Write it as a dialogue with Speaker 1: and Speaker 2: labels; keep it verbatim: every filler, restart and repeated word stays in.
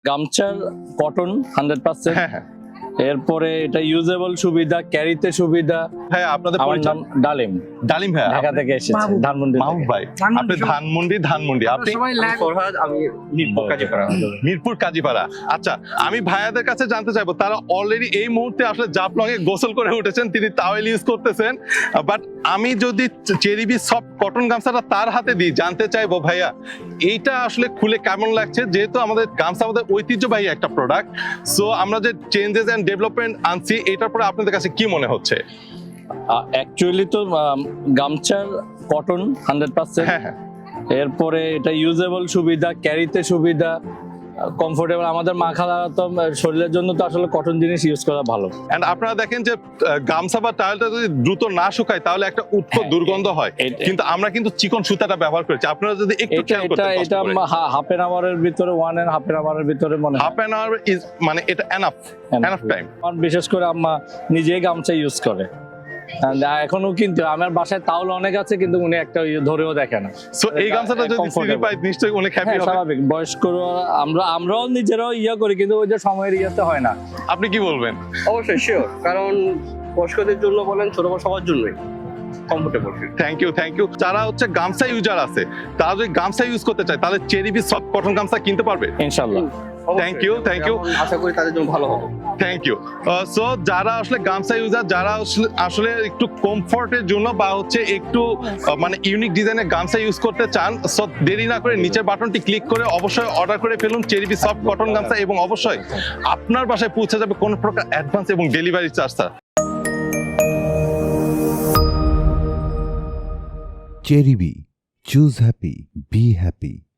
Speaker 1: গামছার cotton hundred percent.
Speaker 2: হ্যাঁ হ্যাঁ
Speaker 1: এরপরে এটা ইউজেবল সুবিধা, ক্যারিতে সুবিধা।
Speaker 2: হ্যাঁ আপনাদের
Speaker 1: আমার
Speaker 2: পরিচয়?
Speaker 1: নাম ডালিম,
Speaker 2: ডালিম ভাই,
Speaker 1: ঢাকা থেকে এসেছি, ধানমন্ডি থেকে।
Speaker 2: মাহবুব ভাই আপনি ধানমন্ডি ধানমন্ডি আপনি
Speaker 3: ফরহাদ, আমি মিরপুর কাজীপাড়া।
Speaker 2: মিরপুর কাজীপাড়া। আচ্ছা, আমি ভাইয়াদের কাছে জানতে চাইবো তারা অলরেডি এই মুহূর্তে আসলে জাফলং এ গোসল করে উঠেছেন, তিনি টাওয়েল ইউজ করতেছেন, বাট আমি যদি চেরিবি সফট কটন গামছাটা তার হাতে দিই, জানতে চাইবো ভাইয়া এইটা আসলে খুলে কেমন লাগছে, যেহেতু আমাদের গামছা আমাদের ঐতিহ্যবাহী একটা প্রোডাক্ট, সো আমরা যে চেঞ্জেস এন্ড ডেভেলপমেন্ট আনছি এটার পরে আপনাদের কাছে কি মনে হচ্ছে?
Speaker 1: অ্যাকচুয়ালি তো আম, গামছার কটন হান্ড্রেড পার্সেন্ট।
Speaker 2: হ্যাঁ হ্যাঁ
Speaker 1: এরপরে এটা ইউজেবল সুবিধা, ক্যারিতে সুবিধা, কমফোর্টেবল। আমাদের মাখা তো শরীরের জন্য তো আসলে কটন জিনিস ইউজ করা ভালো।
Speaker 2: এন্ড আপনারা দেখেন যে আহ, গামছা বা টাওয়েলটা যদি দ্রুত না শুকায় তাহলে একটা উৎকট
Speaker 1: হ্যাঁ,
Speaker 2: দুর্গন্ধ হয়,
Speaker 1: এটা-
Speaker 2: কিন্তু আমরা কিন্তু চিকন সুতাটা ব্যবহার করেছি। আপনারা যদি একটু
Speaker 1: এটা
Speaker 2: খেয়াল
Speaker 1: এটা
Speaker 2: করতেন
Speaker 1: এটা হাফ এন আওয়ারের ভিতরে, ওয়ান এন্ড হাফ এন আওয়ারের ভিতরে মনে হয়
Speaker 2: হাফ অ্যান আওয়ার ইজ মানে এটা এনাফ এনাফ টাইম।
Speaker 1: আমার বিশেষ করে আম্মা নিজেই গামছা ইউজ করে। And এখনো কিন্তু আমার বাসায় তাওল অনেক আছে, কিন্তু উনি একটা ইয়ে ধরেও দেখে না।
Speaker 2: সো এই গামছাটা যদি সিরি
Speaker 1: Comfortable।
Speaker 2: পাই নিশ্চয়ই অনেক হ্যাপি
Speaker 1: হ্যাঁ,
Speaker 2: হবে।
Speaker 1: স্বাভাবিক। বয়স্করা আমরা আমরাও নিজেরাও ইয়ে করি, কিন্তু ওই যে সময়ের ইয়েতে হয় না।
Speaker 2: আপনি কি বলবেন?
Speaker 3: অবশ্যই শিওর, কারণ বয়স্কদের জন্য বলেন ছোট বড় সবার জন্যই comfortable.
Speaker 2: Thank you thank you. যারা হচ্ছে গামছা ইউজার আছে তারা যদি গামছা ইউজ করতে চায় তাহলে চেরিবি সফট কটন গামছা কিনতে পারবে।
Speaker 1: ইনশাল্লাহ।
Speaker 2: Thank you, thank you.
Speaker 3: আশা করি তাদের জন্য ভালো হবে।
Speaker 2: Thank you. সো যারা আসলে গামছা ইউজার, যারা আসলে- আসলে একটু কমফোর্টের জন্য বা হচ্ছে একটু আহ, মানে ইউনিক ডিজাইনের গামছা ইউজ করতে চান, সো দেরি না করে নিচের বাটনটি ক্লিক করে অবশ্যই অর্ডার করে ফেলুন চেরিবি সফট কটন গামছা, এবং অবশ্যই আপনার বাসায় পৌঁছে যাবে কোনো প্রকার অ্যাডভান্স এবং ডেলিভারি চার্জ ছাড়া।
Speaker 4: Cherry B. Choose happy. Be happy.